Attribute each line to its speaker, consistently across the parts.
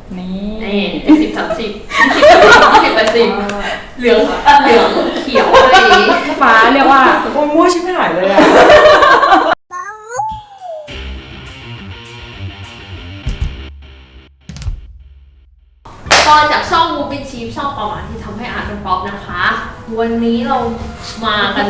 Speaker 1: นี่70-30 20-80เหลืองเขียวอะไร
Speaker 2: ฟ้าเรียกว่า
Speaker 3: โอ้ยมั่วชิบหายเลยอะ
Speaker 1: ก็จากช่องมูฟ i ิ ชีฟช่องประมาณที่ทำให้อาร์ตเป็นป๊อปนะคะ วันนี้เรามากัน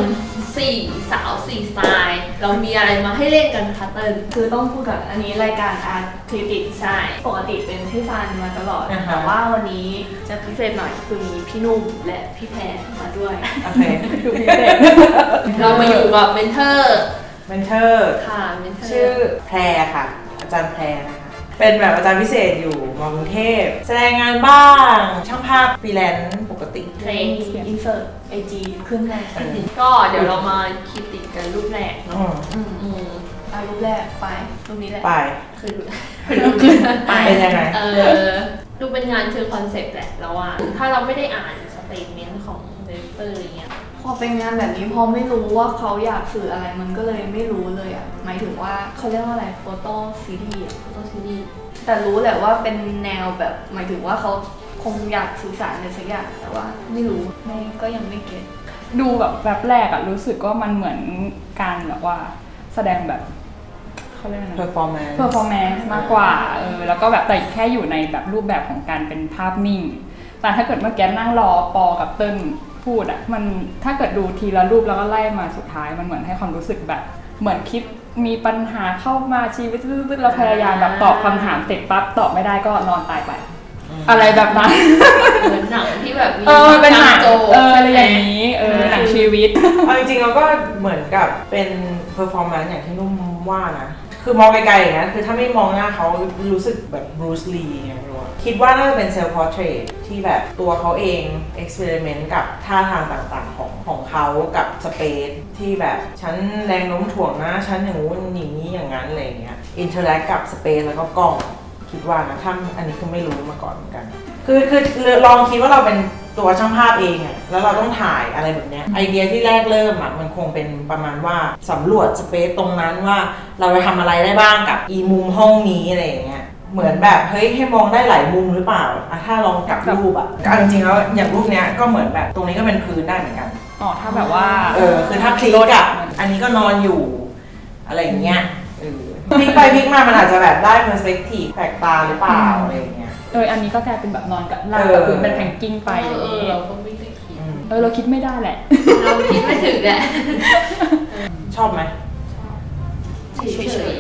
Speaker 1: 4 สาว 4 สไตล์เรามีอะไรมาให้เล่นกันคะเติ้ล
Speaker 2: คือต้องพูดกับอันนี้รายการอาร์ตคริติก
Speaker 1: ใช่
Speaker 2: ปกติเป็นพี่ซันมาตลอดแต่ว่าวันนี้จะพิเศษหน่อยคือมีพี่นุ่มและพี่แพรมาด้วย
Speaker 3: โอเค
Speaker 2: คือพิเศษ
Speaker 1: เรามาอยู่กับเมนเทอร์
Speaker 3: ค่ะเมนเทอร์ชื่อแพรค่ะอาจารย์แพรนะคะเป็นแบบอาจารย์พิเศษอยู่มกรุงเทพแสดงงานบ้างช่างภาพฟรีแลนซ์ปกติ
Speaker 1: เพลง
Speaker 2: อินเสิร์ตไอจีขึ้นเลย
Speaker 1: ก็เดี๋ยวเรามาคิดติดกันรูปแรกเนาะ
Speaker 2: รูปแรกไปรูปนี้แหละ
Speaker 3: ไป
Speaker 1: คือ
Speaker 2: รูปขึ้นไป
Speaker 3: เป็นยังไง
Speaker 1: ดูเป็นงานเชิงคอนเซ็ปต์แหละแล้วว่าถ้าเราไม่ได้อ่านสเตทเมนต์ของเดเตอร์อย่างเงี้ย
Speaker 2: พอเป็นงานแบบนี้พอไม่รู้ว่าเขาอยากสื่ออะไรมันก็เลยไม่รู้เลยอ่ะหมายถึงว่าเขาเรียกว่าอะไรโฟโต้ซีรีส์แต่รู้แหละว่าเป็นแนวแบบหมายถึงว่าเขาคงอยากสื่อสารอะไรสักอย่างแต่ว่าไม่รู้ก็ยังไม่เก็ต
Speaker 4: ดูแบบแรกอะรู้สึกว่ามันเหมือนการแบบว่าแสดงแบบเขาเรียกอะไรนะ performance มากกว่าแล้วก็แบบแต่แค่อยู่ในแบบรูปแบบของการเป็นภาพนิ่งแต่ถ้าเกิดเมื่อกี้นั่งรอปอกับเติ้ลพูดอะมันถ้าเกิดดูทีละรูปแล้วก็ไล่มาสุดท้ายมันเหมือนให้ความรู้สึกแบบเหมือนคิดมีปัญหาเข้ามาชีวิตตื้อๆเราพยายามแบบตอบคำถามเสร็จปั๊บตอบไม่ได้ก็นอนตายไปอะไรแบบนั้น
Speaker 1: เหมือนหนังที่แบบมี
Speaker 4: เป็นหนังอะไรอย่างนี้หนังชีวิต
Speaker 3: เอาจริงๆเราก็เหมือนกับเป็นเพอร์ฟอร์แมนซ์อย่างที่นุ่มว่านะคือมองไกลๆอย่างนี้คือถ้าไม่มองหน้าเขารู้สึกแบบบรูซลีไงไม่รู้คิดว่าน่าจะเป็นเซลฟ์พอร์เทรตที่แบบตัวเขาเองเอ็กซ์เพร์เมนต์กับท่าทางต่างๆของเขากับสเปซที่แบบฉันแรงโน้มถ่วงนะฉันอย่างงู้นอย่างนี้อย่างนั้นอะไรอย่างเงี้ยอินเทอร์แอคกับสเปซแล้วก็กล้องคิดว่านะถ้าอันนี้คือไม่รู้มาก่อนเหมือนกันคือลองคิดว่าเราเป็นตัวช่างภาพเองอะแล้วเราต้องถ่ายอะไรแบบเนี้ยไอเดียที่แรกเริ่มอะมันคงเป็นประมาณว่าสำรวจสเปซตรงนั้นว่าเราจะทำอะไรได้บ้างกับอีมุมห้องนี้อะไรอย่างเงี้ยเหมือนแบบเฮ้ยให้มองได้หลายมุมหรือเปล่าอะถ้าลองกลับรูปอะจริงๆแล้วอย่างรูปเนี้ยก็เหมือนแบบตรงนี้ก็เป็นพื้นได้เหมือนกัน
Speaker 4: ถ้าแบบว่า
Speaker 3: คือถ้าพลิกอะอันนี้ก็นอนอยู่อะไรอย่างเงี้ยพลิกไปพลิกมามันอาจจะแบบได้ perspective แปลกตาหรือเปล่าอะไรอย่างเงี้ย
Speaker 4: อันนี้ก็กลายเป็นแบบนอนกับลากกับพื้นเป็นแพงกิ้งไปอย่างนี้
Speaker 1: เราก็ไม่ได้คิด
Speaker 4: เราคิดไม่ได้แหละ
Speaker 1: เราคิดไม่ถึงแหละ
Speaker 3: ชอบไหม
Speaker 1: เฉย
Speaker 3: เฉย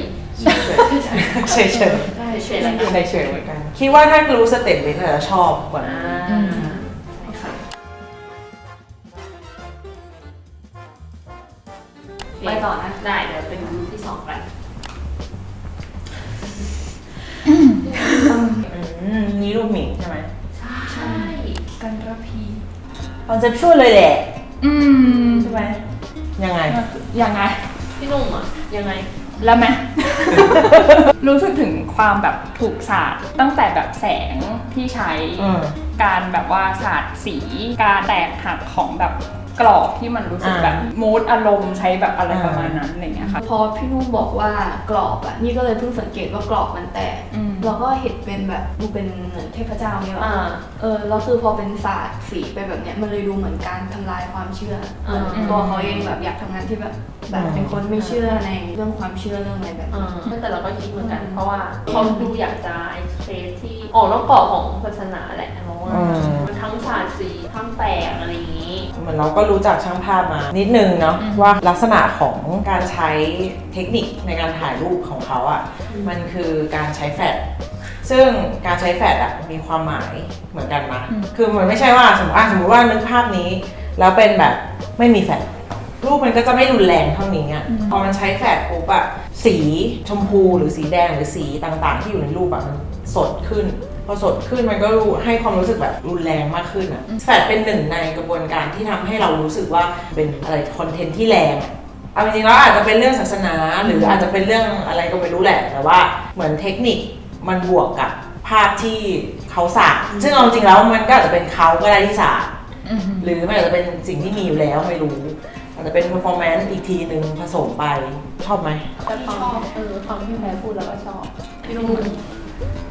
Speaker 3: เหมือนกันคิดว่าถ้ารู้สเต็ปเบสจะชอบกว่า
Speaker 1: ไปต่อนะได้เดี๋ยวเป็นรูปที่2กัน
Speaker 3: นี่รูปหมิงใช่ไหม
Speaker 1: ใช่
Speaker 2: กันระพี
Speaker 3: คอนเซ็ปชวลเลยแหละใช่ไหมยังไง
Speaker 1: พี่นุ่มอ่ะยังไง
Speaker 4: แล้วไหม รู้สึกถึงความแบบถูกศาสตร์ตั้งแต่แบบแสงที่ใช้การแบบว่าศาสตร์สีการแตกหักของแบบกรอบที่มันรู้สึกแบบมูดอารมณ์ใช้แบบอะไรประมาณนั้นอะไรเงี้ยค่ะ
Speaker 2: พอพี่นุ่มบอกว่ากรอบอ่ะนี่ก็เลยเพิ่งสังเกตว่ากรอบมันแตกเราก็เห็นเป็นแบบดูเป็นเหมือนเทพเจ้าเนี่ยเราคือพอเป็นศาสตร์สีไปแบบเนี้ยมันเลยดูเหมือนการทำลายความเชื่อตัวเขาเองแบบอยากทำงานที่แบบเป็นคนไม่เชื่อในเรื่องความเชื่อเรื่องอะไรแบบนี้
Speaker 1: แต่เราก็คิดเหมือนกันเพราะว่าเขาดูอยากจะไอ้เคสที่ออกนอกกรอบของศาสนาแหละเพราะว่าทั้งศาสตร์สีทั้งแตกอะไรอย่างนี้
Speaker 3: เหมือนเราก็รู้จักช่างภาพมานิดนึงเนาะว่าลักษณะของการใช้เทคนิคในการถ่ายรูปของเขาอ่ะมันคือการใช้แฟลชซึ่งการใช้แฟลชอ่ะมีความหมายเหมือนกันนะคือมันไม่ใช่ว่าสมมติว่านึกภาพนี้แล้วเป็นแบบไม่มีแฟลชรูปมันก็จะไม่รุนแรงเท่านี้อ่ะพอมันใช้แฟลชปุ๊บอ่ะสีชมพูหรือสีแดงหรือสีต่างๆที่อยู่ในรูปอ่ะมันสดขึ้นพอสดขึ้นมันก็ให้ความรู้สึกแบบรุนแรงมากขึ้นอ่ะแฟลชเป็นหนึ่งในกระบวนการที่ทำให้เรารู้สึกว่าเป็นอะไรคอนเทนต์ที่แรงเอาจริงๆแล้วอาจจะเป็นเรื่องศาสนาหรืออาจจะเป็นเรื่องอะไรก็ไม่รู้แหละแต่ว่าเหมือนเทคนิคมันบวกกับภาพที่เขาสาดซึ่งเอาจริงแล้วมันก็อาจจะเป็นเขาก็ได้ที่สาดหรือมันอาจจะเป็นสิ่งที่มีอยู่แล้วไม่รู้อาจจะเป็น performance อีกทีนึงผสมไปชอบไหม
Speaker 1: ชอบฟังพี่แพรพูดแล้วก็ชอบพี่นุ่ม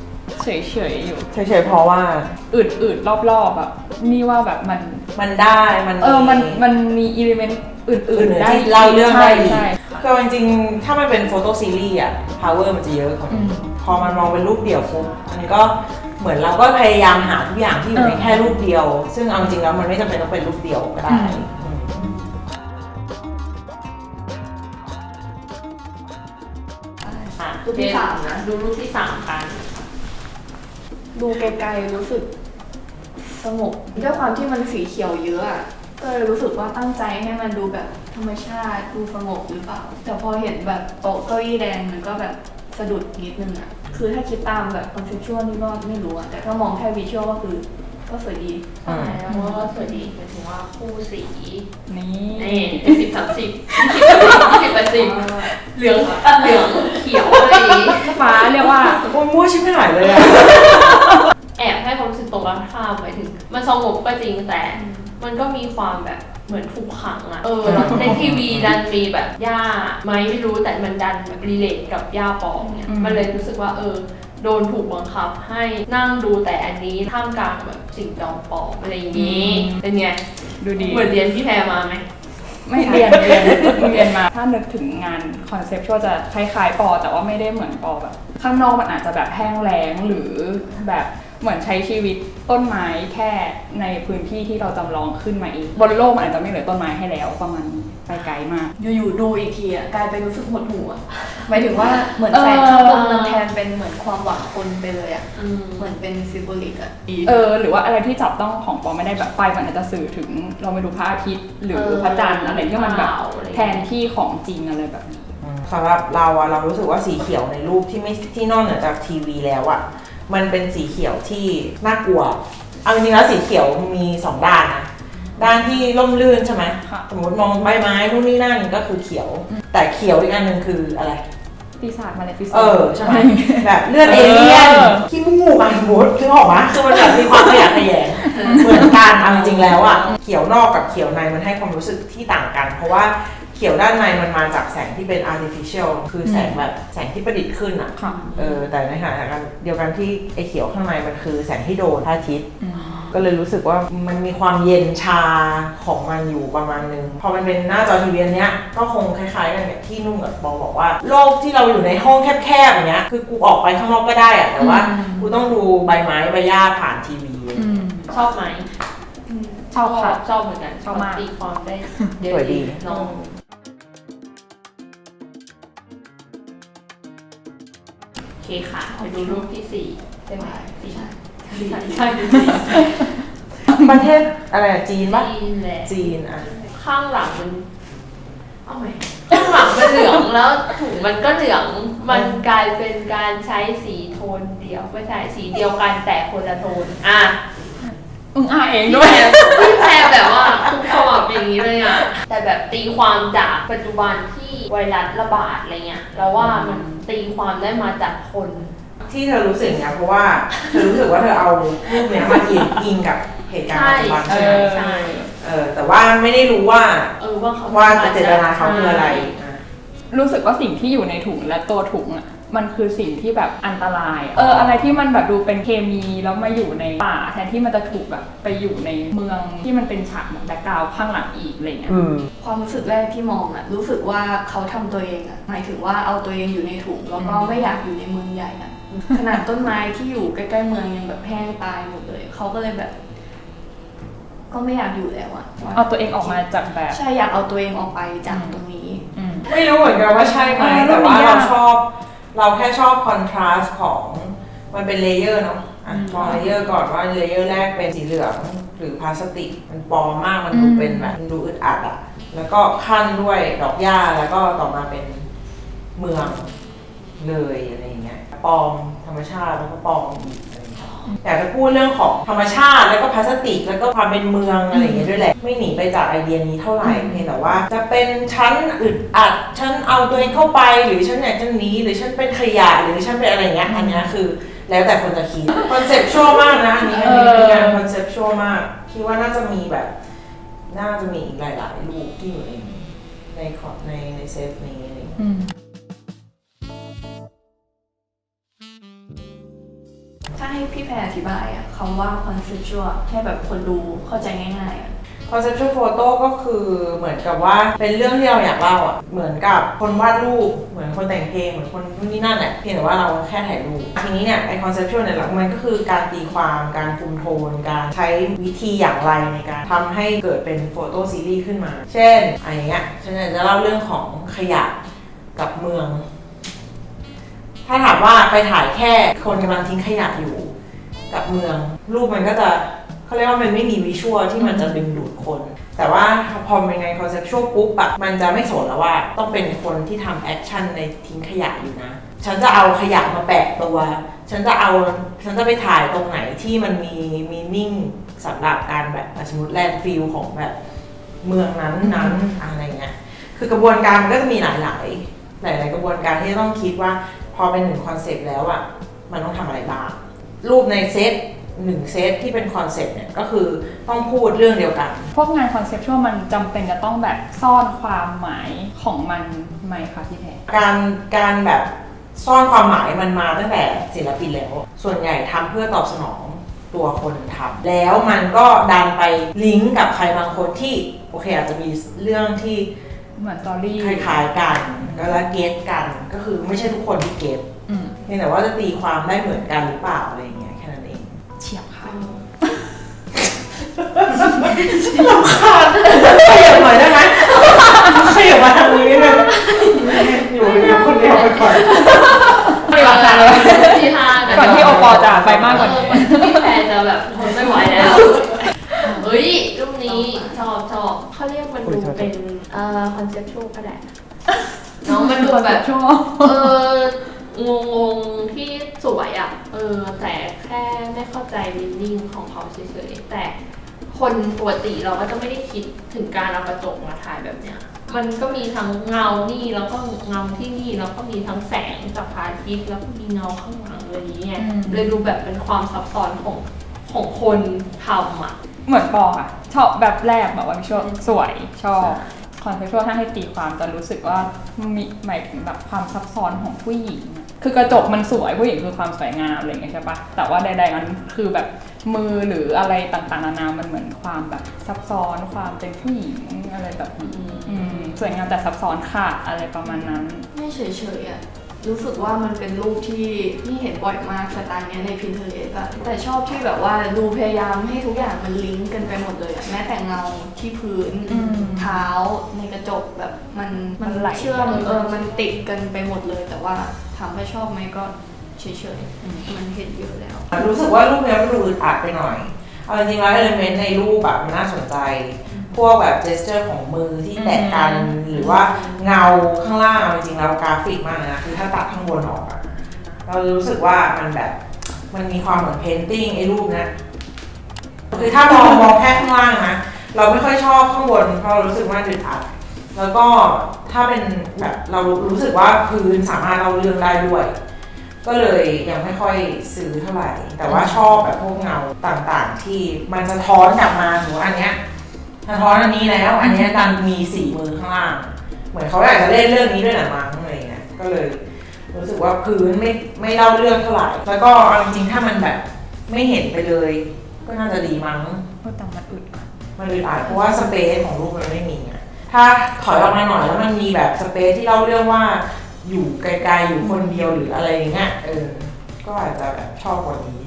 Speaker 4: เฉยๆอยู่
Speaker 3: เฉยๆเพราะว่า
Speaker 4: อืดๆรอบๆแบบนี่ว่าแบบ
Speaker 3: มันได้
Speaker 4: มันมีอิเลเมนต์อื่นๆได้
Speaker 3: เล่าเรื่องได้ดี
Speaker 4: ใช่
Speaker 3: ก็จริงๆถ้ามันเป็นโฟโต้ซีรีส์อะ power มันจะเยอะกว่านี้พอมันมองเป็นรูปเดี่ยวปุ๊บอันนี้ก็เหมือนเราก็พยายามหาทุกอย่างที่อยู่ในแค่รูปเดียวซึ่งเอาจริงแล้วมันไม่จำเป็นต้องเป็นรูปเดียวก็ได้
Speaker 2: รูปที่3นะ
Speaker 1: ดูรูปที่3กัน
Speaker 2: ดูไกลๆรู้สึกสงบด้วยความที่มันสีเขียวเยอะอะก็เลยรู้สึกว่าตั้งใจให้มันดูแบบธรรมชาติดูสงบหรือเปล่าแต่พอเห็นแบบโต๊ะเก้าอี้แดงมันก็แบบสะดุดนิดนึงอะคือถ้าคิดตามแบบคอนเซ็ปชวลนี่ก็ไม่รู้อะแต่ถ้ามองแค่วิชวลก็คือก็สวยดี
Speaker 1: ใช่แล้วก็สวยดีหมายถึงว่าคู่สี
Speaker 4: นี่
Speaker 1: 10/10 เหลืองเขียวอะไร
Speaker 4: ฟ้าเรียกว่า
Speaker 3: มั่วชิบหายเลยอะ
Speaker 1: แอบให้ความรู้สึกตรงกันข้ามหมายถึงมันสงบก็จริงแต่มันก็มีความแบบเหมือนถูกขังอะแล้วในทีวีดันมีแบบย่าไม่รู้แต่มันดันแบบรีเลทกับย่าปองเนี่ยมันเลยรู้สึกว่าโดนถูกบังคับให้นั่งดูแต่อันนี้ท่ามกลางแบบสิ่งจอมปลอมอะไรอย่างนี้เป็นไง
Speaker 4: ดูดี
Speaker 1: เหมือนเรียนพี่แพรมาไหม
Speaker 4: ไม่เรียนมาถ้านึกถึงงานคอนเซ็ปต์ก็จะคล้ายๆปอแต่ว่าไม่ได้เหมือนปอแบบข้างนอกมันอาจจะแบบแห้งแล้งหรือแบบเหมือนใช้ชีวิตต้นไม้แค่ในพื้นที่ที่เราจำลองขึ้นมาเองบนโลกมันอาจจะไม่เหลือต้นไม้ให้แล้วประมาณไปไกลมาก
Speaker 2: อยู่ๆดูอีกทีอ่ะกลายเป็นรู้สึกหดหู่อ่ะหมายถึงว่าเหมือนแสงข้างบนมันแทนเป็นเหมือนความหวังคนไปเลยอ่ะเหมือนเป็นซิมโบลิกอ่ะ
Speaker 4: หรือว่าอะไรที่จับต้องของปอไม่ได้แบบไฟมันอาจจะสื่อถึงเราไม่รู้พระอาทิตย์หรือพระจันทร์อะไรที่มันแบบแทนที่ของจริงอะไรแบบนี้
Speaker 3: สำหรับเรารู้สึกว่าสีเขียวในรูปที่นอกเหนือจากทีวีแล้วอะมันเป็นสีเขียวที่น่ากลัวเอาจริงๆแล้วสีเขียวมี2ด้านนะด้านที่ร่มรื่นใช่ไหมสมมติมองใบไม้นู่นนี่นั่นก็คือเขียวแต่เขียวอีกอันหนึ่งคืออะไร
Speaker 4: ปีศาจมาเลยปีศาจ
Speaker 3: ใช่ไหมแบบเลือดเอเลี่ยนขี้มูกสมมติคือออกมาคือมันแบบมีความขยะแขยงเหมือนกันเอาจริงๆแล้วอะเขียวนอกกับเขียวในมันให้ความรู้สึกที่ต่างกันเพราะว่าเขียวด้านในมันมาจากแสงที่เป็น artificial คือแสงแบบแสงที่ประดิษฐ์ขึ้นอ่ะแต่ในขณะเดียวกันที่ไอเขียวข้างในมันคือแสงที่โดนพระอาทิตย์ก็เลยรู้สึกว่ามันมีความเย็นชาของมันอยู่ประมาณนึงพอมันเป็นหน้าจอทีวีเนี้ยก็คงคล้ายๆกันแบบที่นุ่งกับบอกว่าโลกที่เราอยู่ในห้องแคบๆอย่างเงี้ยคือกูออกไปข้างนอกก็ได้อะแต่ว่ากูต้องดูใบไม้ใบหญ้าผ่านทีวี
Speaker 1: ชอบไหม
Speaker 4: ชอบค่ะ
Speaker 1: ชอบเหมือนกันชอบมากตีความได้เยอะดีน้องโอเคค่ะไปดูรูปที่4ใช่ไหมใช่
Speaker 3: ประเทศอะไรจีนปะจีนอ่ะ
Speaker 1: ข้างหลังมันเอาไหมข้างหลังมันเหลืองแล้วถุงมันก็เหลืองมันกลายเป็นการใช้สีโทนเดียวไม่ใช่สีเดียวกันแต่คนละโทน
Speaker 4: เองด้วย
Speaker 1: พี่แพรแบบว่าคุกขมับอย่างนี้เลยอ่ะแต่แบบตีความจากปัจจุบันที่ไวรัสระบาดอะไรเงี้ยแล้วว่ามันตีความได้มาจากคน
Speaker 3: ที่เธอรู้สึกเนี่ยเพราะว่าเธอรู้สึกว่าเธอเอารูปเนี้ยมาอิงกับเหตุการณ์ปัจจุบันใช่ไหมใช่แต่ว่าไม่ได้รู้ว่าเจตนาเขาคืออะไร
Speaker 4: รู้สึกว่าสิ่งที่อยู่ในถุงและตัวถุงอ่ะมันคือสิ่งที่แบบอันตรายอะไรที่มันแบบดูเป็นเคมีแล้วมาอยู่ในป่าแทนที่มันจะถูกแบบไปอยู่ในเมืองที่มันเป็นฉากแบบแบ็คกราวด์ข้างหลังอีกอะไรเงี้ย
Speaker 2: ความรู้สึกแรกที่มองอะรู้สึกว่าเขาทำตัวเองอะหมายถึงว่าเอาตัวเองอยู่ในถุงแล้วก็ไม่อยากอยู่ในเมืองใหญ่อะขนาดต้นไม้ที่อยู่ใกล้ๆเมืองยังแบบแห้งตายหมดเลยเขาก็เลยแบบก็ไม่อยากอยู่แล้วอะ
Speaker 4: เอาตัวเองออกมาจากแบบ
Speaker 2: ใช่อยากเอาตัวเองออกไปจากตรงนี้
Speaker 3: ไม่รู้เหมือนกันว่าใช่ไหมแต่ว่าเราแค่ชอบคอนทราสต์ของมันเป็นเลเยอร์เนาะมองเลเยอร์ก่อนว่าเลเยอร์แรกเป็นสีเหลืองหรือพลาสติกมันปลอมมากมันดูเป็นแบบมันดูอึดอัดอะแล้วก็ขั้นด้วยดอกหญ้าแล้วก็ต่อมาเป็นเมืองเลยอะไรอย่างเงี้ยปลอมธรรมชาติแล้วก็ปลอมอีกอยากจะพูดเรื่องของธรรมชาติแล้วก็พลาสติกแล้วก็ความเป็นเมืองอะไรอย่างเงี้ยด้วยแหละไม่หนีไปจากไอเดียนี้เท่าไหร่เพียงแต่ว่าจะเป็นชั้นอึดอัดชั้นเอาตัวเองเข้าไปหรือชั้นอยากจะหนีหรือชั้นเป็นขยะหรือชั้นเป็นอะไรเงี้ยอันนี้คือแล้วแต่คนจะคิดคอนเซ็ปชวลมากนะอันนี้เป็นงานคอนเซ็ปชวลมากคิดว่าน่าจะมีอีกหลายๆรูปที่อยู่ในเซฟนี้อะไรอย่างเงี้ย
Speaker 2: ถ้าพี่แพรอธิบายอะคำว่า conceptual ให้แบบคนดูเข้าใจง่ายๆอะ
Speaker 3: conceptual photo ก็คือเหมือนกับว่าเป็นเรื่องที่เราอยากเล่าอ่ะเหมือนกับคนวาดรูปเหมือนคนแต่งเพลงเหมือนคนนู่นนี่นั่นแหละเพียงแต่ว่าเราแค่ถ่ายรูปทีนี้เนี่ยไอ้ conceptual เนี่ยมันก็คือการตีความการคุมโทนการใช้วิธีอย่างไรในการทำให้เกิดเป็นโฟโต้ซีรีส์ขึ้นมาเช่นอะไรเงี้ยฉันจะเล่าเรื่องของขยะกับเมืองถ้าถามว่าไปถ่ายแค่คนกำลังทิ้งขยะอยู่กับเมืองรูปมันก็จะเขาเรียกว่ามันไม่มีวิชวลที่มันจะดึงดูดคนแต่ว่าพอเป็นในคอนเซ็ปชวลปุ๊บอะมันจะไม่สนแล้วว่าต้องเป็นคนที่ทำแอคชั่นในทิ้งขยะอยู่นะฉันจะเอาขยะมาแปะตัวฉันจะไปถ่ายตรงไหนที่มันมีมีนิ่งสำหรับการแบบสมมติแลนด์ฟิลของแบบเมืองนั้นอะไรเงี้ยคือกระบวนการมันก็จะมีหลายกระบวนการที่จะต้องคิดว่าพอเป็นหนึ่งคอนเซ็ปต์แล้วอะมันต้องทำอะไรบ้างรูปในเซต1เซตที่เป็นคอนเซ็ปต์เนี่ยก็คือต้องพูดเรื่องเดียวกัน
Speaker 4: พวกงานคอนเซ็ปชวลมันจำเป็นจะต้องแบบซ่อนความหมายของมันไหมคะพี่แพร
Speaker 3: การแบบซ่อนความหมายมันมาตั้งแต่ศิลปินแล้วส่วนใหญ่ทำเพื่อตอบสนองตัวคนทำแล้วมันก็ดันไปลิงก์กับใครบางคนที่โอเคอาจจะมีเรื่องที่
Speaker 4: เหมือนสตอรี่
Speaker 3: คล้ายๆกันก็แล้วเก็ตกันก็คือไม่ใช่ทุกคนที่เก็ตเพียงแต่ว่าจะตีความได้เหมือนกันหรือเปล่าอะไรอย่างเงี้ยแค่นั้นเอง
Speaker 4: เฉียบค่ะ
Speaker 3: รำคาญขยับหน่อยได้ไหมขยับมาทางนี้เลยอยู่คนเดียวไปก่อน
Speaker 4: ไม่รำคาญเลยก่อนที่โอปอจะไปมากกว่านี้
Speaker 1: พี่แพรจะแบบทนไม่ไหวแล้วเฮ้ยรูปนี้ชอบเขาเรียกมันดูเป็นคอนเซ็ปชวลก็ได้น้องมันดูแบบงงที่สวยอ่ะแต่แค่ไม่เข้าใจมินนิ่งของเขาเฉยๆแต่คนปกติเราก็จะไม่ได้คิดถึงการเอากระจกมาถ่ายแบบเนี้ยมันก็มีทั้งเงานี่แล้วก็เงาที่นี่แล้วก็มีทั้งแสงจากพระอาทิตย์แล้วก็มีเงาข้างหลังอะไรอย่างเงี้ยเลยดูแบบเป็นความซับซ้อนของคนทำอ่ะ
Speaker 4: เหมือนปออ่ะชอบแบบแรกแบบว่าวิชวลสวยชอบคอนเซ็ปชวลถ้าให้ตีความจะรู้สึกว่ามีหมายถึงแบบความซับซ้อนของผู้หญิงคือกระจกมันสวยผู้หญิงคือความสวยงามอะไรอย่างเงี้ยใช่ปะแต่ว่าใดๆมันคือแบบมือหรืออะไรต่างๆนานามันเหมือนความแบบซับซ้อนความเป็นผู้หญิงอะไรแบบนี้สวยงามแต่ซับซ้อนค่ะอะไรประมาณนั้น
Speaker 2: ไม่เฉยๆอ่ะรู้สึกว่ามันเป็นรูปที่เห็นบ่อยมากสไตล์นี้ใน Pinterest อะแต่ชอบที่แบบว่าดูพยายามให้ทุกอย่างมันลิงก์กันไปหมดเลยอะแม้แต่เงาที่พื้นเท้าในกระจกแบบมันไหลเชื่อมมันติดกันไปหมดเลยแต่ว่าถามว่าชอบไหมก็เฉยๆมันเห็นเยอะแล้ว
Speaker 3: รู้สึกว่ารูปนี้มันดูอึดอัดไปหน่อยเอาจริงๆแล้ว element ในรูปแบบมันน่าสนใจพวกแบบ gesture ของมือที่แตะกันหรือว่าเงาข้างล่างจริงๆแล้วกราฟิกมากนะคือถ้าตัดข้างบนออกอะเรารู้สึกว่ามันแบบมันมีความเหมือน painting ไอ้รูปนะคือถ้ามองแค่ข้างล่างนะเราไม่ค่อยชอบข้างบนเพราะเรารู้สึกว่าอึดอัดแล้วก็ถ้าเป็นแบบเรารู้สึกว่าพื้นสามารถเล่าเรื่องได้ด้วยก็เลยยังไม่ค่อยซื้อเท่าไหร่แต่ว่าชอบแบบพวกเงาต่างๆที่มันสะท้อนกลับมาถึงว่าอันเนี้ยสะท้อนอันนี้แล้วอันนี้ดันมี4มือข้างล่างเหมือนเขาอยากจะเล่นเรื่องนี้ด้วยหนังมั้งอะไรเงี้ยก็เลยรู้สึกว่าพื้นไม่เล่าเรื่องเท่าไหร่แล้วก็จริงๆถ้ามันแบบไม่เห็นไปเลยก็น่าจะดีมั้ง
Speaker 4: แต่มันอึด
Speaker 3: อัดเพราะว่าสเปซของรูปมันไม่มีถ้าถอยออกมาหน่อยแล้วมันมีแบบสเปซที่เล่าเรื่องว่าอยู่ไกลๆอยู่คนเดียวหรืออะไรอย่างเงี้ยก็อาจจะแบบชอบกว่านี้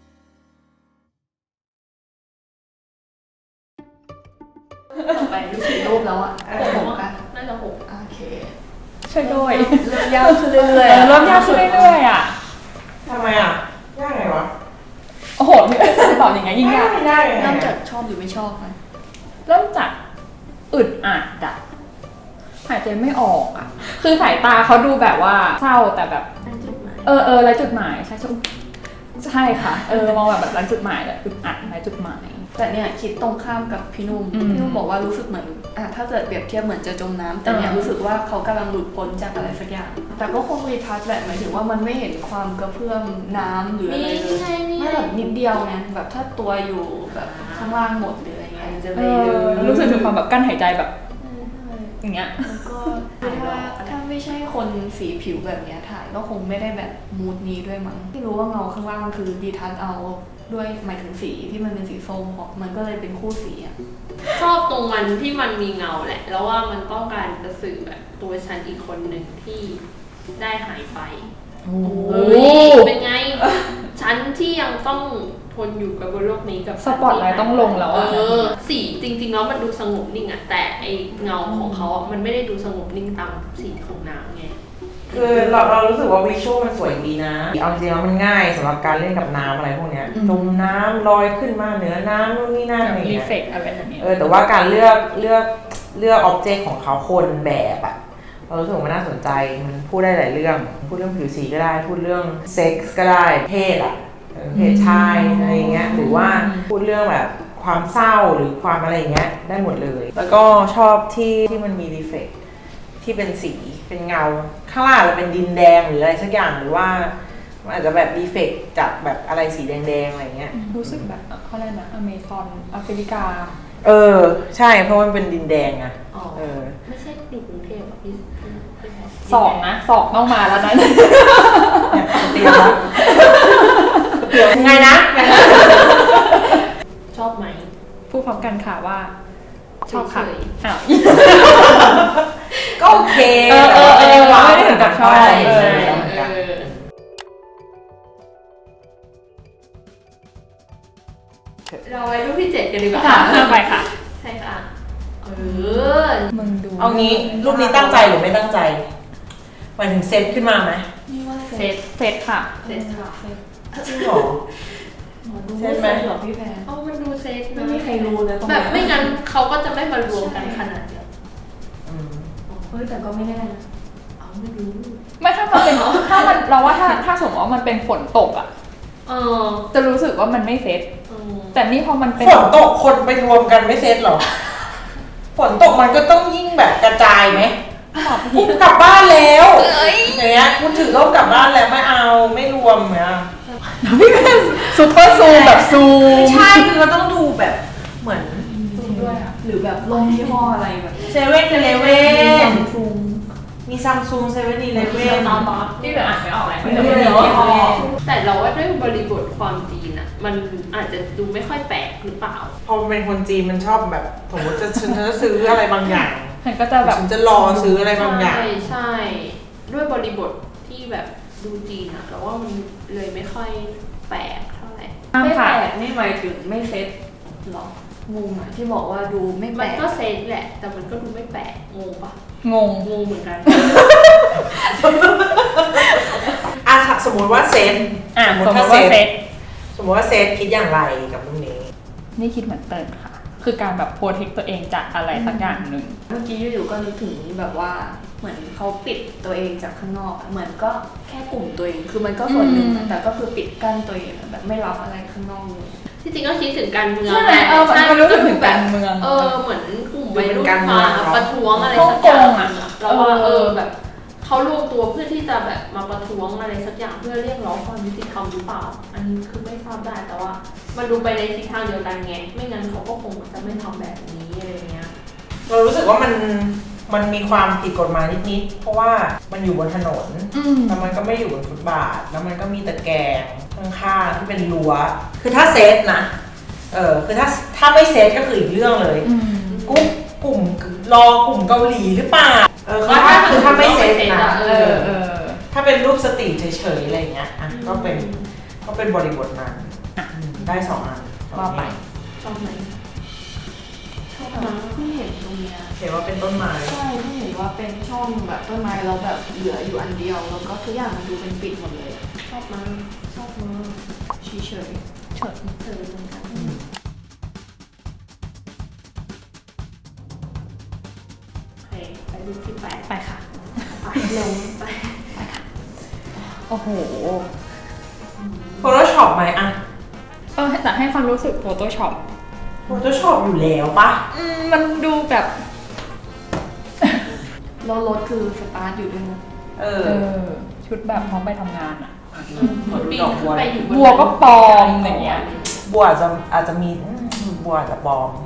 Speaker 2: ต่อไปรู้สึกรูปแล้วอ่ะ
Speaker 1: 6อะน่าจะ6
Speaker 2: โอเค
Speaker 4: ช่วยด้วย
Speaker 2: เริ่มยากขึ้นเรื่อย
Speaker 4: ๆเริ่มยากขึ้นเรื่อยๆอ่ะ
Speaker 3: ทำไมอ่ะยากไงวะ
Speaker 4: โอ้โหพี่จะตอบยังไงยิ่งยาก
Speaker 2: เริ่มจากชอบหรือไม่ชอบมัน
Speaker 4: เริ่มจากอึดอัดอ่ะหายใจไม่ออกอ่ะคือสายตาเขาดูแบบว่าเศร้าแต่แบบไร้จุดหมายใช่ค่ะมองแบบไร้จุดหมายแบบอึดอัดไร้จุดหมาย
Speaker 2: แต่เนี่ยคิดตรงข้ามกับพี่นุ่มบอกว่ารู้สึกเหมือนถ้าเกิดเปรียบเทียบเหมือนจะจมน้ำแต่เนี่ยรู้สึกว่าเขากำลังหลุดพ้นจากอะไรสักอย่างแต่ก็คงรีทัชแหละหมายถึงว่ามันไม่เห็นความกระเพื่อมน้ำหรืออะไรเลยไม่แบบนิดเดียวไงแบบถ้าตัวอยู่แบบข้างล่างหมดหรืออะไรเงี้ยจะเลย
Speaker 4: รู้สึกถึงความแบบกั้นหายใจแบบอย่างเงี้ย
Speaker 2: แล้วก็ถ้าไม่ใช่คนสีผิวแบบเนี้ยถ่ายก็คงไม่ได้แบบมูดนี้ด้วยมั้งที่รู้ว่าเงาข้างล่างคือดีทัชเอาด้วยหมายถึงสีที่มันเป็นสีส้มของมันก็เลยเป็นคู่สีอ่ะ
Speaker 1: ชอบตรงมันที่มันมีเงาแหละ แล้วว่ามันต้องการจะสื่อแบบตัวฉันอีกคนหนึ่งที่ได้หายไปเป็นไง ฉันที่ยังต้องทนอยู่กับบนโลกนี้กับ
Speaker 4: สปอตไลท์ต้องลงแล้วอะ
Speaker 1: สีจริงๆแล้วมันดูสงบนิ่งอะแต่ไอเงาของเขาอะมันไม่ได้ดูสงบนิ่งตามสีของน้ำไง
Speaker 3: คือเรารู้สึกว่าวิชวลมันสวยดีนะเอาจริงๆแล้วมันง่ายสำหรับการเล่นกับน้ำอะไรพวกเนี้ยจมน้ำลอยขึ้นมาเหนือน้ำนู่นนี่นั่นอะไร
Speaker 4: รี
Speaker 3: เงี้ย
Speaker 4: เฟกอะไรแบบนี้
Speaker 3: แต่ว่าการเลือกอ็อบเจกต์ของเขาคนแบบอะเรารู้สึกว่ามันน่าสนใจมันพูดได้หลายเรื่องพูดเรื่องผิวสีก็ได้พูดเรื่องเซ็กส์ก็ได้เพศอะเพศชายอะไรเงี้ยหรือว่าพูดเรื่องแบบความเศร้าหรือความอะไรเงี้ยได้หมดเลยแล้วก็ชอบที่มันมีรีเฟกที่เป็นสีเป็นเงาข้างล่างอาจจะเป็นดินแดงหรืออะไรสักอย่างหรือว่ามันอาจจะแบบรีเฟกจากแบบอะไรสีแดงๆอะไรเงี้ย
Speaker 4: รู้สึกแบบเขาเรียกนะอเมซอนแอฟริกา
Speaker 3: ใช่เพราะมันเป็นดินแดงอะ
Speaker 1: ไม่ใช่อยู่กรุงเทพอะพี่
Speaker 4: สองต้องมาแล้วนะ
Speaker 3: เตรียมแล้วเดี๋ยวไงนะ
Speaker 1: ชอบไหม
Speaker 4: พูดพร้อมกันค่ะว่า ชอบค่ะ
Speaker 1: เฉย
Speaker 4: อ้าว
Speaker 3: ก็โอเค
Speaker 4: ไม่ได้ถึงกับชอบ
Speaker 1: ใช่ เราไปรูปที่ 7 กันดีกว่า
Speaker 4: ค่ะเริ่มไปค่ะ
Speaker 1: ใช่ค่ะ
Speaker 4: มึงดู
Speaker 3: เอางี้รูปนี้ตั้งใจหรือไม่ตั้งใจหมายถึงเซตขึ้นมาไหม
Speaker 2: นี่ว่า
Speaker 1: เซต
Speaker 4: เซตค่ะ
Speaker 1: เซตค่ะ
Speaker 3: จริงเหรอ
Speaker 2: ดูไม่เซตหรอพี่แพร
Speaker 1: มันดูเซต
Speaker 2: ไม่มีใครรู้เลยตรง
Speaker 1: แบ
Speaker 2: นี้
Speaker 1: บไม่งั้นเขาก็จะไม่มารวมกันขนาดเดียว
Speaker 2: เฮ้ยแต่ก็ไม่แน่นะ
Speaker 1: ไม่รู้
Speaker 4: ไม่ถ้ามันเป็นถ้ามันเราว่าถ้าสมมติว่ามันเป็นฝนตกอ่ะ จะรู้สึกว่ามันไม่เซตแต่นี่พอมันเป็น
Speaker 3: ฝนตกคนไปรวมกันไม่เซตหรอฝนตกมันก็ต้องยิ่งแบบกระจายไหมกูกลับบ้านแล้วอย่างเงี้ยกูถือร่มกลับบ้านแล้วไม่เอาไม่รวมเนี่ย
Speaker 4: พี่เป็นซูเปอร์ซูมแบบซูม
Speaker 3: ใช่คือเราต้องดูแบบเหมือน
Speaker 2: ซูมด้วยอ่ะหรือแบบลงยี่ห้ออะไรแบบ
Speaker 3: เซเว่นเเลเว่น
Speaker 2: ซูม
Speaker 3: มีซัมซุงเซเว่นอีเลเว่น
Speaker 4: ที่เหลืออ่านไม่ออกเลย
Speaker 1: แต่เราว่าด้วยบริบทความจีนอะมันอาจจะดูไม่ค่อยแปลกหรือเปล่า
Speaker 3: พอเป็นคนจีนมันชอบแบบสมมติฉันจะซื้ออะไรบางอย่าง
Speaker 4: ฉันก็จะแบบ
Speaker 3: ฉันจะรอซื้ออะไรบางอย่าง
Speaker 1: ใช่ ด้วยบริบทที่แบบดูจีนอะเราว่ามันเลยไม่ค่อยแปลกเท่าไหร่
Speaker 2: ไม่แปลกนี่หมายถึงไม่เซตหรองงอ่ะที่บอกว่าดูไม่แป
Speaker 1: มั
Speaker 2: ล
Speaker 1: น
Speaker 2: ก
Speaker 1: ก็เซตแหละ แต่มันก็ดูไม่แปลกงงปะ
Speaker 4: งง
Speaker 1: งงเหมือนกัน
Speaker 3: สมมติว่าเซต
Speaker 4: สมมติว่าเซต
Speaker 3: สมมติว่าเซตคิดอย่างไรกับเรื่องนี้
Speaker 4: นี่คิดเหมือนเติร์นค่ะ คือการแบบโปรเทคตัวเองจากอะไรสักอย่างหนึ่ง
Speaker 2: เมื่อกี้อยู่ๆก็นึกถึงแบบว่าเหมือนเขาปิดตัวเองจากข้างนอกอะเหมือนก็แค่กลุ่มตัวเองคือมันก็ส่วนหนึ่งอะแต่ก็คือปิดกั้นตัวเองอะแบบไม่รับอะไรข้างนอกเลย
Speaker 1: ที่จริงก็คิดถึงการเมือง
Speaker 4: ใช่ไหมมันรู้สึกถึงการเมือง
Speaker 1: เหมือนกลุ่มวัยรุ่นมาประท้วงอะไร
Speaker 4: ฮ่อง
Speaker 1: สัก
Speaker 4: ก
Speaker 1: อย่าง
Speaker 4: งอะ
Speaker 1: แล้วว่าแบบเขารวมตัวเพื่อที่จะแบบมาประท้วงอะไรสักอย่างเพื่อเรียกร้องความยุติธรรมหรือเปล่า อันนี้คือไม่ทราบได้แต่ว่ามันดูไปในทิศทางเดียวกันไงไม่งั้นเขาก็คงจะไม่ทำแบบนี้อะไรเงี้ย
Speaker 3: เรารู้สึกว่ามันมีความผิดกฎหมายนิดๆเพราะว่ามันอยู่บนถนนแล้วมันก็ไม่อยู่บนฟุตบาทแล้วมันก็มีตะแกรงข้างๆที่เป็นรั้วคือถ้าเซฟนะคือถ้าไม่เซฟก็คืออีกเรื่องเลยกลุ่มรอกลุ่มเกาหลีหรือเปล่าคือถ้าไม่เซฟนะถ้าเป็นรูปสตรีทเฉยๆอะไรเงี้ยก็เป็นบริบทนั้นได้2 อัน
Speaker 4: ว่าไป
Speaker 1: ชอบไหมชอบนะ
Speaker 2: เพิ่งเห็นตรงเนี้ย
Speaker 3: เห็นว่าเป็นต้นไม้
Speaker 2: ใช่เพิ่งเห็นว่าเป็นช่องแบบต้นไม้แล้วแบบเหลืออยู่อันเดียวแล้วก็ทุกอย่างมันดูเป็นปิดหมดเลยอะ
Speaker 1: ชอบมากชอบมาก
Speaker 2: เฉย
Speaker 1: เฉิดเฉิดเหมือนกันโอเคไปดูที่แปด
Speaker 4: ไปค่ะ
Speaker 1: ไปเร็วไป
Speaker 4: โอ้โห
Speaker 3: Photoshop ไหมอะ
Speaker 4: แต่ให้ความรู้สึก Photoshop
Speaker 3: Photoshop อยู่แล้วปะ
Speaker 4: มันดูแบบ
Speaker 2: ๆแล้วรถคือสตาร์ทอยู่ด้วยนะ
Speaker 4: ชุดแบบพร้อมไปทำงานอ่ะ
Speaker 1: ปีนขึ้นไปอยู่บน
Speaker 4: บัวก็ปลอมอย่างเงี้ย
Speaker 3: บัวอาจจะมีบัวอาจจะปลอม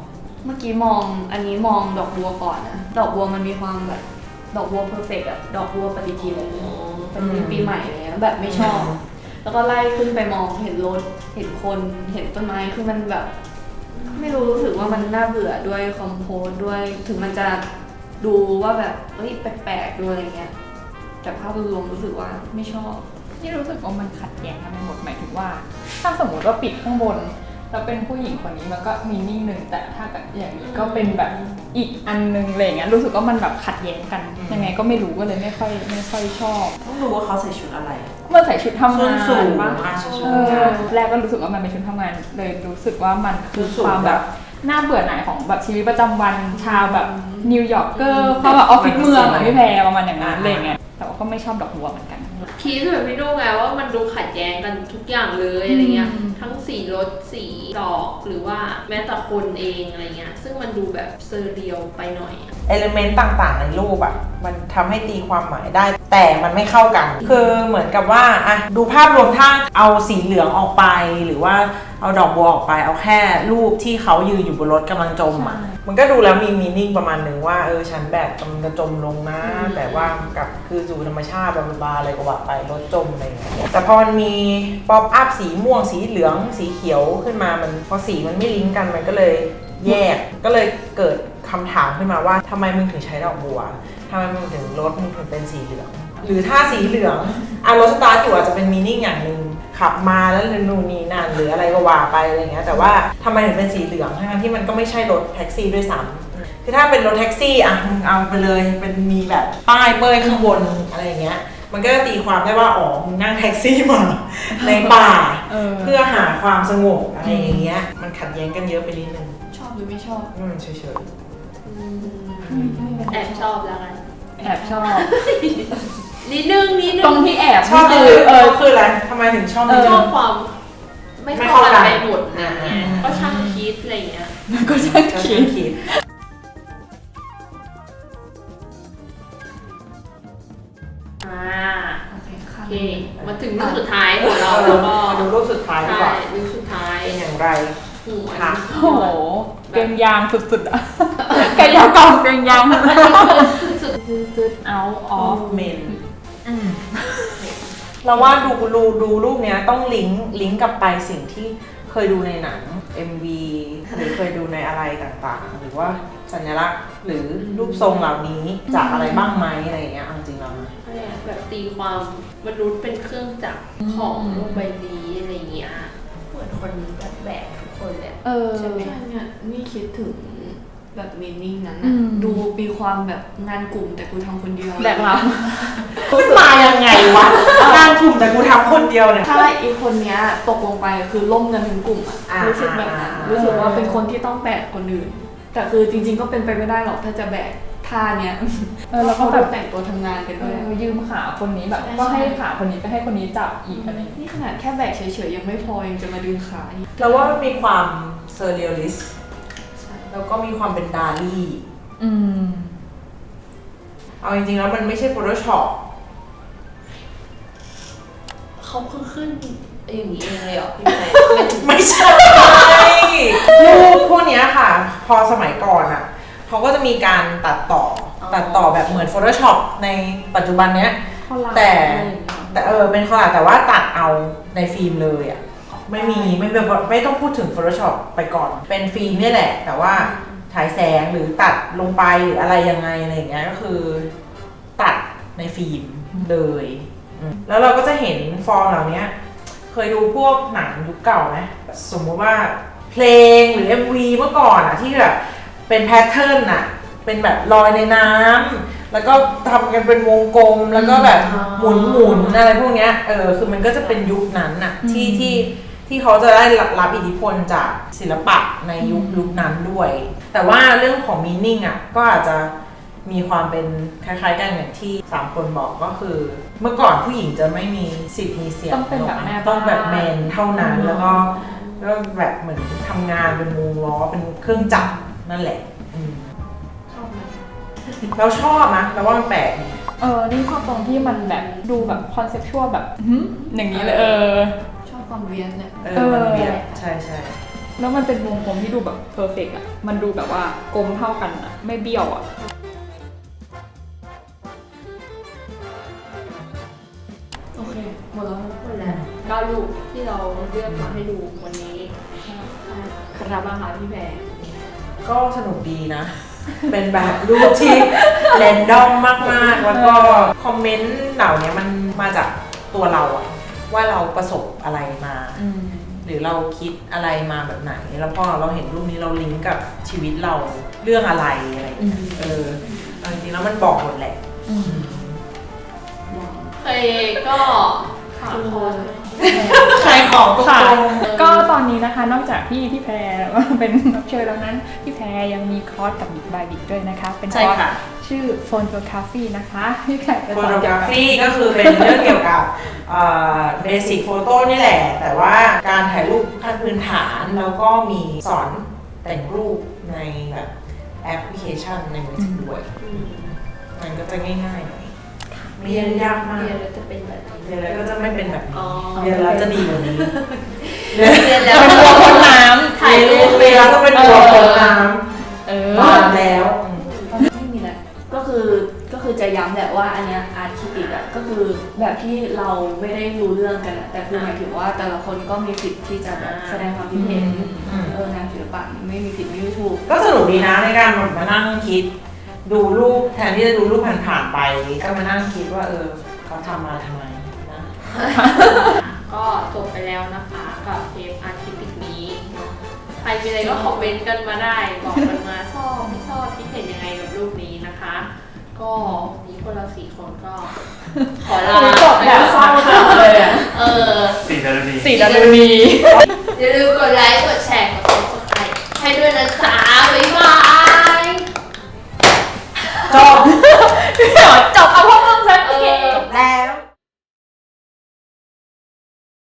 Speaker 2: เมื่อกี้มองอันนี้มองดอกบัวก่อนนะดอกบัวมันมีความแบบดอกบัวเพอร์เฟกต์อะดอกบัวปฏิทินเป็นปีใหม่อะไรเงี้ยแบบไม่ชอบ แล้วก็ไล่ขึ้นไปมองเห็นรถเห็นคนเห็นต้นไม้คือมันแบบ ไม่รู้สึกว่ามันน่าเบื่อด้วยคอมโพสด้วยถึงมันจะดูว่าแบบเฮ้ยแปลกๆดูอะไรเงี้ยแต่ภาพรวมรู้สึกว่าไม่ชอบ
Speaker 4: ที่รู้สึกว่ามันขัดแย้งกันไปหมดหมายถึงว่า ถ้าสมมติว่าปิดข้างบนแล้วเป็นผู้หญิงคนนี้มันก็มีนิ่งหนึ่งแต่ถ้าแบบอย่างนี้ก็เป็นแบบอีกอันนึงอะไรเงี้ยรู้สึกว่ามันแบบขัดแย้งกันยังไงก็ไม่รู้ก็เลยไม่ค่อยชอบ
Speaker 3: ต้องรู้ว่าเขาใส่ชุดอะไร
Speaker 4: มันใส่ชุดทำงาน
Speaker 3: สูง
Speaker 4: ปะแรกก็รู้สึกว่ามันเป็นชุดทำงานเลยรู้สึกว่ามันคือความแบบน่าเบื่อหน่ายของแบบชีวิตประจำวันชาวแบบนิวยอร์กเกอร์เข้าแบบออฟฟิศเมืองพี่แพรประมาณอย่างนั้นอะไรเงี้ยแต่ว่าก็ไม่ชอบดอกบัวเหมือนกัน
Speaker 1: คิดแบบพี่ดูไงว่ามันดูขัดแย้งกันทุกอย่างเลยอะไรเงี้ยทั้งสีรถสีดอกหรือว่าแม้แต่คนเองอะไรเงี้ยซึ่งมันดูแบบเซอร์เรียลไปหน่อย
Speaker 3: เอลิเมนต์ต่างๆในรูปอะมันทำให้ตีความหมายได้แต่มันไม่เข้ากันคือเหมือนกับว่าอะดูภาพรวมถ้าเอาสีเหลืองออกไปหรือว่าเอาดอกบัวออกไปเอาแค่รูปที่เขายืนอยู่บนรถกำลังจมอะมันก็ดูแล้วมีมีนิ่งประมาณนึงว่าฉันแบบกำลังจะจมลงนะแต่ว่ากับคือสู่ธรรมชาติบาอะไรก็ว่าไปรถจมอะไรอย่างเงี้ยแต่พอมันมีป๊อปอัพสีม่วงสีเหลืองสีเขียวขึ้นมามันพอสีมันไม่ลิงก์กันมันก็เลยแยกก็เลยเกิดคำถามขึ้นมาว่าทำไมมึงถึงใช้ดอกบัวทำไมมึงถึงรถมึงถึงเป็นสีเหลืองหรือถ้าสีเหลืองรถสตาร์ทอยู่อาจจะเป็นมีนิ่งอย่างนึงขับมาแล้วนู่นนี่นั่นหรืออะไรก็ว่าไปอะไรเงี้ยแต่ว่าทำไมถึงเป็นสีเหลืองทั้งที่มันก็ไม่ใช่รถแท็กซี่ด้วยซ้ำคือถ้าเป็นรถแท็กซี่มึงเอาไปเลยเป็นมีแบบป้ายเป้ยข้างบนอะไรอย่างเงี้ยมันก็ตีความได้ว่ามึงนั่งแท็กซี่มาในป่าเพื่อหาความสงบอะไรอย่างเงี้ยมันขัดแย้งกันเยอะไปนิดนึง
Speaker 2: ชอบหรือไม่ชอบ
Speaker 3: เฉย
Speaker 1: ๆแอบชอบแล้วกัน
Speaker 4: แอบชอบ
Speaker 1: นิดนึง
Speaker 4: ตรงที่แอบ
Speaker 3: ชอบคืออะไรทำไมถึงชอบ
Speaker 1: ชอบความไม่เข้ากันไปหมดนะก็ช่างคิดอะไรเงี้ย
Speaker 4: ก็ช่างคิด
Speaker 1: โอเคมาถึงรูปสุดท้ายของเราแล้วก็
Speaker 3: ดูรูปสุดท้ายดีกว่า
Speaker 1: รูปสุดท้าย
Speaker 3: เป็นอย่างไร
Speaker 4: ค่ะโอ้โหเกมยางสุดๆอ่ะไก่ยางกองเกมยางสุดๆ out of
Speaker 3: men เราว่าดูรูปเนี้ยต้องลิงก์กลับไปสิ่งที่เคยดูในหนัง MV หรือเคยดูในอะไรต่างๆหรือว่าสัญลักษณ์หรือรูปทรงเหล่านี้จากอะไรบ้างไหมอะไรอย่างเงี้ยจริงๆแล้วนะ
Speaker 1: แบบตีความมนุษย์เป็นเครื่องจักรของโลกใบนี้อะไรเงี้ยเหมือนคนแบบแบกทุกคนเลย
Speaker 2: ใช่ไหมเนี่ยนี่คิดถึงแบบมีนิ่งนั้นนะดูมีความแบบงานกลุ่มแต่กูทำคนเดียว
Speaker 4: แบบเรา
Speaker 3: ขึ้นมายังไงวะงานกลุ่มแต่กูทำคนเดียวเนี่ย
Speaker 2: ถ้าอีกคนเนี้ยตกลงไปคือล่มกันทั้งกลุ่มรู้สึกแบบนั้นรู้สึกว่าเป็นคนที่ต้องแบกคนอื่นแต่คือจริงๆก็เป็นไปไม่ได้หรอกถ้าจะแบกท่าเนี้ย
Speaker 4: แล้วก็
Speaker 2: แบบแต่งตัวทำงานกันด้วย
Speaker 4: ยืมขาคนนี้แบบก็ให้ขาคนนี้ไปให้คนนี้จับอีกอะไร
Speaker 2: นี่ขนาดแค่แบกเฉยๆยังไม่พอยังจะมาดึงขา
Speaker 3: เราว่ามันมีความเซอร์เรียลลิสต์แล้วก็มีความเป็นดาลี่เอาจริงๆแล้วมันไม่ใช่ Photoshop
Speaker 1: เขาขึ้นอย่างนี้เองเลยเหรอพี่แม่
Speaker 3: ไม่ใช่รูปพวกนี้ค่ะพอสมัยก่อนเขาก็จะมีการตัดต่อแบบเหมือน Photoshop ในปัจจุบันเนี้ยแต่เป็นคอลลาจแต่ว่าตัดเอาในฟิล์มเลยไม่ต้องพูดถึง Photoshop ไปก่อนเป็นฟิล์มนี่แหละแต่ว่าฉายแสงหรือตัดลงไปหรืออะไรยังไงอะไรอย่างเงี้ยก็คือตัดในฟิล์มเลยแล้วเราก็จะเห็นฟอร์มเหล่านี้เคยดูพวกหนังยุคเก่าไหมสมมติว่าเพลงหรือ MV เมื่อก่อนที่แบบเป็นแพทเทิร์นเป็นแบบลอยในน้ำแล้วก็ทำกันเป็นวงกลมแล้วก็แบบหมุนอะไรพวกเนี้ยคือมันก็จะเป็นยุคนั้นที่เขาจะได้รับอิทธิพลจากศิลปะในยุคนั้นด้วยแต่ว่าเรื่องของมีนิ่งก็อาจจะมีความเป็นคล้ายๆกันอย่างที่3คนบอกก็คือเมื่อก่อนผู้หญิงจะไม่มีสิทธิ์มีเสียง
Speaker 4: ต้องเป็นแบบแม่
Speaker 3: ต้องแบบแมนเท่านั้นแล้วก็แบบเหมือนทำงานเป็นวงล้อเป็นเครื่องจักรนั่นแหละ
Speaker 1: ชอบไหม
Speaker 3: เราชอบนะเราว่ามันแปลก
Speaker 4: นี่ชอบตรงที่มันแบบดูแบบคอนเซ็ปชวลแบบอย่างนี้เลย
Speaker 2: ชอบความเวียนเนี่ย
Speaker 3: มันเวียนใช่
Speaker 4: แล้วมันเป็นวงกลมที่ดูแบบเพอร์เฟกต์อ่ะมันดูแบบว่ากลมเท่ากันอ่ะไม่เบี้ยวอ่ะ
Speaker 2: โอเคหมดแล้ว
Speaker 1: หมดแล้ว9รูปที่เราเลือกมาให้ดูวันนี้ครับมาค่ะพี่แบร์
Speaker 3: ก็สนุกดีนะ เป็นแบบรูปที่แรนดอมมากๆ แล้วก็คอมเมนต์เหล่านี้มันมาจากตัวเราอะว่าเราประสบอะไรมา หรือเราคิดอะไรมาแบบไหน แล้วพอเราเห็นรูปนี้เราลิงก์กับชีวิตเราเรื่องอะไรอะไรอย่างเงี้ยจริงๆแล้วมันบอกหมดแหละ
Speaker 1: เคยก็ค่ะ
Speaker 3: ใครของตร
Speaker 4: ค่ะ
Speaker 3: ง
Speaker 4: ก็ตอนนี้นะคะนอกจากพี่แพรเป็นรับเชิญแล้วนั้นพี่แพรยังมีคอร์สกับบิ๊กบายบิ๊กด้วยนะคะเป็นคอร์สชื่อ Photography นะคะพี่แพรเป็น
Speaker 3: โฟโตกราฟีก็คือเป็นเรื่องเกี่ยวกับเบสิกโฟโต้นี่แหละ แต่ว่าการถ่ายรูปขั้นพื้นฐานแล้วก็มีสอนแต่งรูปในแบบแอปพลิเคชันในมือถือด้วย มันก็จะง่ายๆหน่อยไม่ยากมาก
Speaker 1: เรียนแล้วจะเป็นแบบนี้
Speaker 3: เรียนแล้วก็จะไม่เป็นแบบนี้
Speaker 1: อ๋อ
Speaker 3: เรียนแล้วจะดีกว่านี้
Speaker 1: เรียนแล้ว
Speaker 4: เป็นตัวคนน้
Speaker 1: ถ่ายรูป
Speaker 3: เรียนแล้วก็เป็นตัวคนน้
Speaker 4: ำ
Speaker 3: ำมาแล้ว
Speaker 2: ไม่มีแล้วก็คือจะย้ำแหละว่าอันเนี้ยอาร์ตคิติกอะก็คือแบบที่เราไม่ได้รู้เรื่องกันอะแต่คือหมายถึงว่าแต่ละคนก็มีสิทธิ์ที่จะแบบแสดงความคิดเห็นงานศิลปะไม่มีผิดไม่มีถูก
Speaker 3: ก็สนุกดีนะในการมานั่งคิด ดูรูปแทนที่จะดูรูปผ่านๆไป ก็มานั่งคิดว่าเขาทำมาทำไมนะ
Speaker 1: ก็จบไปแล้วนะคะกับเทปอาร์ติปิกนี้เนาะใครมีอะไรก็คอมเมนต์กันมาได้ บอกกันมาชอบไม่ชอบคิดเห็นยังไงกับรูปนี้นะคะ ก็นี้พวกเรา4 คนก็ ขอลา
Speaker 4: จบแบบเศร้าจังเลยอ่ะ
Speaker 5: 4 ดารุณี
Speaker 4: 4 ดารุณี
Speaker 1: อย่าลืมกดไลค์กดแชร์กด subscribe ให้ด้วยนะจ๊ะบ๊ายบาย
Speaker 3: จบ